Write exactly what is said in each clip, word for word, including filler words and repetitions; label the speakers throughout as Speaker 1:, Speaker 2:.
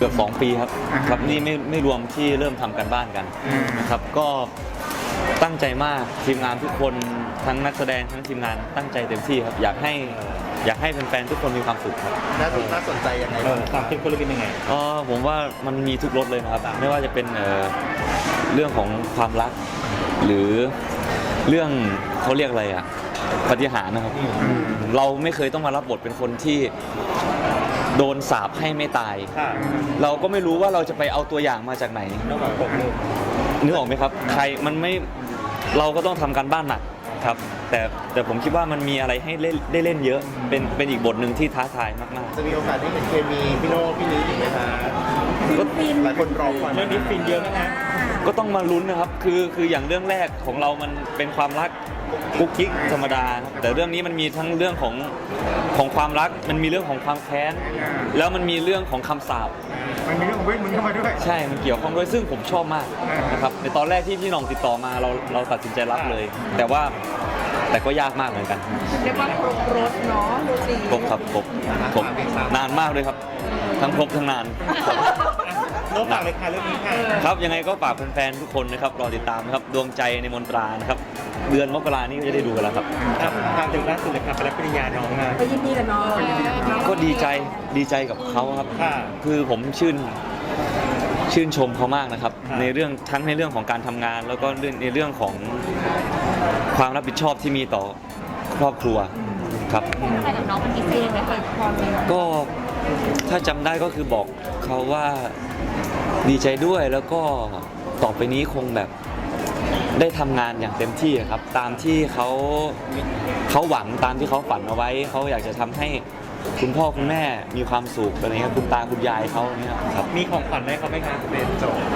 Speaker 1: กือบสองปีครับครับนี่ไม่ไม่รวมที่เริ่มทำกันบ้านกันนะครับก็ตั้งใจมากทีมงานทุกคนทั้งนักแสดงทั้งทีมงานตั้งใจเต็มที่ครับอยากให้อยากให้แฟนๆทุกคนมีความสุขครับ
Speaker 2: น่าสนน่าสนใจยังไงความเข้มข้นเป็นยังไง
Speaker 1: อ๋อผมว่ามันมีทุกรสเลยนะครับไม่ว่าจะเป็นเอ่อเรื่องของความรักหรือเรื่องเขาเรียกอะไรอ่ะปาฏิหาริย์นะครับเราไม่เคยต้องมารับบทเป็นคนที่โดนสาปให้ไม่ตายเราก็ไม่รู้ว่าเราจะไปเอาตัวอย่างมาจากไหนนึกออกไหมครับใครมันไม่เราก็ต้องทำการบ้านหนักครับแต่แต่ผมคิดว่ามันมีอะไรให้เล่นได้เล่นเยอะเป็นเป็นอีกบทหนึ่งที่ท้าทายมากๆ
Speaker 2: จะมีโอกาสได้เห็นเคมีพี่โน่พี่นี้อีกไหมคะก็หลายคนรอคอยเรื่องนี้ฟินเยอะนะ
Speaker 1: ก็ต้องมาลุ้นนะครับคือคืออย่างเรื่องแรกของเรามันเป็นความรักกุ๊กกิ๊กธรรมดาแต่เรื่องนี้มันมีทั้งเรื่องของของความรักมันมีเรื่องของความแค้นแล้วมันมีเรื่องของคำสาป
Speaker 2: มันมีเรื่องของเวทมนต์เข้ามาด้วย
Speaker 1: ใช่มันเกี่ยวข้องด้วยซึ่งผมชอบมากนะครับในตอนแรกที่พี่น้องติดต่อมาเราเราตัดสินใจรับเลยแต่ว่าแต่ก็ยากมากเหมือนกัน
Speaker 3: เรียกว่าครบรถเนาะดูสิ
Speaker 1: ครบครับครบครบนานมากเลยครับทั้งครบทั้งนาน
Speaker 2: โน้ตฝากเลยค่ะเรื่องนี้ค่ะ
Speaker 1: ครับยังไงก็ฝากแฟนๆทุกคนนะครับรอติดตามนะครับดวงใจในมนตรานะครับเดือนมกรานี้ก็จะได้ดูกันแล้วครับ
Speaker 2: ครับทางถึงล่าสุดเลยครับไปรับปริญญาน้องมา
Speaker 3: ไปยินดีกับน้อง
Speaker 1: ก็ดีใจดีใจกับเขาครับคือผมชื่นชื่นชมเขามากนะครับในเรื่องทั้งในเรื่องของการทำงานแล้วก็ในเรื่องของความรับผิดชอบที่มีต่อครอบครัวครับ
Speaker 3: ใครกับน้องมันพิเศษไหมคะ
Speaker 1: ก็ถ้าจำได้ก็คือบอกเขาว่าดีใจด้วยแล้วก็ต่อไปนี้คงแบบได้ทำงานอย่างเต็มที่ครับตามที่เขาเขาหวังตามที่เขาฝันเอาไว้เขาอยากจะทำให้คุณพ่อคุณแม่มีความสุขอะไรเงี้ยคุณตาคุณยายเขาเนี่ยครับ
Speaker 2: มีของขวัญให้เขาไหมครับเป็นโจทย์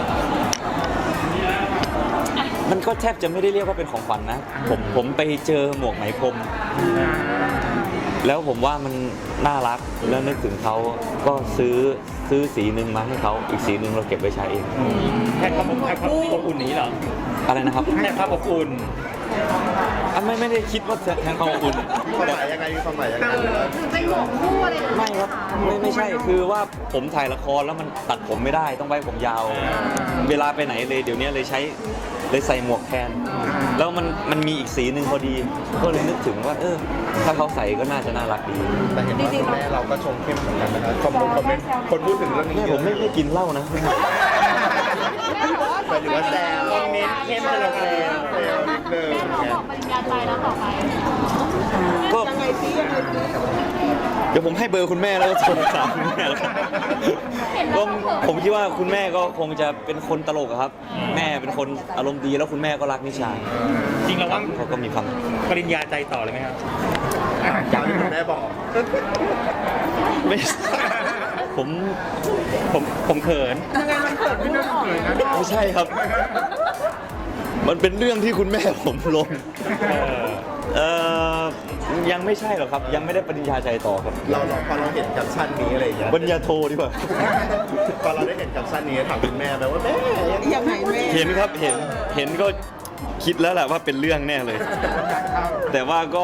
Speaker 1: มันก็แทบจะไม่ได้เรียกว่าเป็นของขวัญนะผมผมไปเจอหมวกไหมพรมแล้วผมว่ามันน่ารักแล้วนึกถึงเขาก็ซื้อซื้อสีหนึ่งมาให้เขาอีกสีหนึ่งเราเก็บไว้ใช้เอง
Speaker 2: แค่ความแค่ความอบอุ่นนี้เหรอ
Speaker 1: อะไรนะครับ
Speaker 2: แค่ความอบอุ่น
Speaker 1: อ่ะไม่ไม่ได้คิดว่าแทนความอบอุ่น
Speaker 2: ความหมายยังไงมีความหมายยังไง
Speaker 3: เป็นหมวกคู่อะไร
Speaker 1: ไม่ครับไม่ไม่ใช่คือว่าผมถ่ายละครแล้วมันตัดผมไม่ได้ต้องไว้ผมยาวเวลาไปไหนเลยเดี๋ยวนี้เลยใช้เลยใส่หมวกแทนแล้วมันมันมีอีกสีหนึ่งพอดีก็เลยนึกถึงว่าเออถ้าเขาใส่ก็น่าจะน่ารักดี
Speaker 2: แต่เห็นว่าคุณแม่เราก็ชมเข้มเหมือนกันนะครับคอมเมนต์คอมเมนต์คนพูดถึงเรื่องนี้
Speaker 1: แม่ผมไม่ไม่กินเหล้านะ
Speaker 2: หมายถึงว่าแซวคอมเมนต์เข้มจะลงเลยนิดนึง
Speaker 3: บอกปริญญาใจแล้วต่อไป
Speaker 1: ก็เดี๋ยวผมให้เบอร์คุณแม่แล้วก็โทรถามคุณแม่แล้วกันก็ผมคิดว่าคุณแม่ก็คงจะเป็นคนตลกครับแม่เป็นคนอารมณ์ดีแล้วคุณแม่ก็รักนิชา
Speaker 2: จริงแล้วว่า
Speaker 1: เขาก็มีความ
Speaker 2: ปริญญาใจต่อเลยไหมครับอยากให้คุณแม่บอก
Speaker 1: ไม่ผม
Speaker 2: ผมผมเขิน
Speaker 3: ยังไงมันเขินไม่ได้เขิน
Speaker 1: นะไม่ใช่ครับมันเป็นเรื่องที่คุณแม่ผมลงเออยังไม่ใช่หรอกครับยังไม่ได้ปริญญาใจต่อครับ
Speaker 2: เราเราพอเราเห็นแคปชั่นนี้อะไรอย่างเงี้ย
Speaker 1: ปริญญาโทดีกว่า
Speaker 2: พอเราได้เห็นแคปชั่นนี้ถามคุณแม่ไหมว่าแม่
Speaker 3: ยังไงแม่
Speaker 1: เห็นครับเห็นเห็นก็คิดแล้วแหละว่าเป็นเรื่องแน่เลยแต่ว่าก็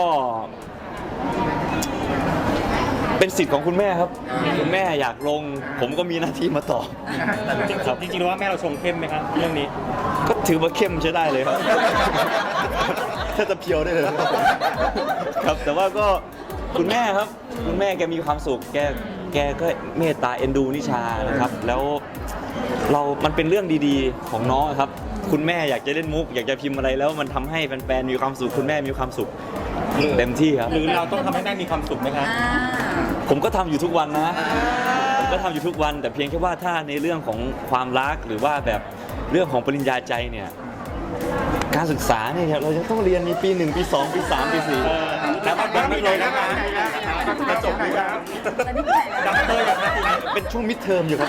Speaker 1: เป็นสิทธิ์ของคุณแม่ครับคุณแม่อยากลงผมก็มีหน้าที่มาตอบ
Speaker 2: จริงจริงๆว่าแม่เราชงเข้มไหมครับเรื่องนี้
Speaker 1: ก็ถือว่าเข้มใช้ได้เลยครับถ้าจะเพียวได้เลยครับแต่ว่าก็คุณแม่ครับคุณแม่แกมีความสุขแกแกก็เมตตาเอ็นดูนิชานะครับแล้วเรามันเป็นเรื่องดีๆของน้องครับคุณแม่อยากจะเล่นมุกอยากจะพิมพ์อะไรแล้วมันทำให้แฟนๆมีความสุขคุณแม่มีความสุขเต็มที่ครับ
Speaker 2: หรือเราต้องทำให้แม่มีความสุขไหมครับ
Speaker 1: ผมก็ทำอยู่ทุกวันนะผมก็ทำอยู่ทุกวันแต่เพียงแค่ว่าถ้าในเรื่องของความรักหรือว่าแบบเรื่องของปริญญาใจเนี่ยการศึกษาเนี่ยเราจะต้องเรียนมีปีหนึ่งปีสองปีสามปีสี่
Speaker 2: แล้วมันไม่เลยนะคะจะจบไหมครับดับเตอร์อย่างนี้
Speaker 1: เป็นช่วงมิดเทอมอยู่ครับ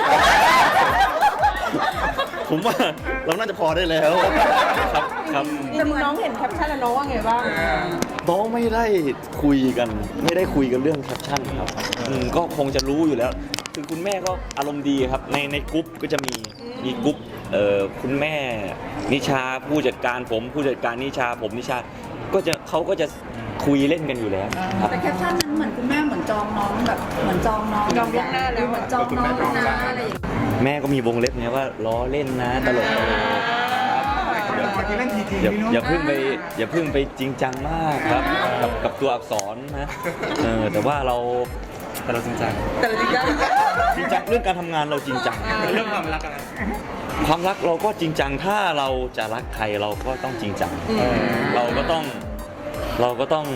Speaker 1: ผมว่าเราน่าจะพอได้แล้วครับครับ
Speaker 3: แต่น้องเห็นแคปชั่นแล้วน้องว่าไงบ้าง
Speaker 1: น้องไม่ได้คุยกันไม่ได้คุยกันเรื่องแคปชั่นครับก็คงจะรู้อยู่แล้วคือคุณแม่ก็อารมณ์ดีครับในในกรุ๊ปก็จะมีมีกรุ๊ปเอ่อคุณแม่นิชาผู้จัดการผมผู้จัดการนิชาผมนิชาก็จะเขาก็จะคคุยเล่นกันอยู่แล้วครับ
Speaker 4: แต่แคปชั่นนั้นเหมือนคุณแม่เหมือนจองน้องแบบเหมือนจองน้อง
Speaker 3: จองล่วงหน้าแล้ว
Speaker 4: เหมือนจองน้องนะอะไรอย่างเงี้ย
Speaker 1: แม่ก็มีวงเล็บไงว่าล้อเล่นนะตลก
Speaker 2: เดี๋ยวเล่นทีจริง
Speaker 1: อย่า
Speaker 2: พี่โน้
Speaker 1: อย่าเพิ่งไปอย่าเพิ่งไปจริงจังมากครับกับกับตัวอักษรนะเออแต่ว่าเราแต่เราจริงจัง
Speaker 3: แต่จริงจัง
Speaker 1: จริงจังเรื่องการทำงานเราจริงจัง
Speaker 2: เรื่องความรักอะไร
Speaker 1: ความรักเราก็จริงจังถ้าเราจะรักใครเราก็ต้องจริงจังเราก็ต้องเราก็ต้อง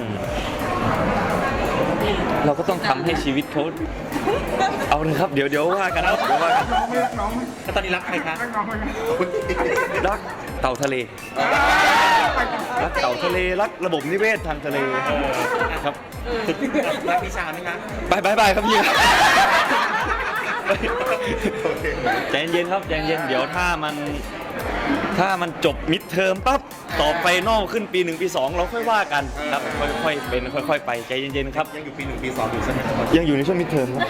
Speaker 1: เราก็ต้องทำให้ชีวิตเขาเอาเลยครับเดี๋ยวเดี๋ยวว่ากันครับเดี๋ยวว่ากัน
Speaker 2: น้องไม่รักน้องแล้วตอนนี้รักใครคะรักน้องไหม
Speaker 1: รักเต่าทะเล รักเต่าทะเลรักระบบนิเวศทางทะเลครับ
Speaker 2: รักพิชาไหมคะ
Speaker 1: บายบายบายครับพี่ใจเย็นๆครับใจเย็นๆเดี๋ยวถ้ามันถ้ามันจบมิดเทอมปั๊บต่อไปนอกขึ้นปีหนึ่งปีสองเราค่อยว่ากันครับค่อยๆเป็นค่อยๆไปใจเย็นๆครับ
Speaker 2: ยังอยู่ปีหนึ่งปีสองอยู่ใช่ไหมครับ
Speaker 1: ยังอยู่ในช่วงมิดเทอมครับ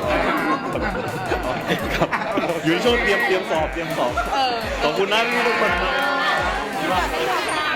Speaker 1: ครับอยู่ในช่วงเตรียมเตรียมสอบเตรียมสอบ
Speaker 3: เออ
Speaker 1: ขอบคุณนะทุกคนครับ
Speaker 3: สวัสดีค่ะ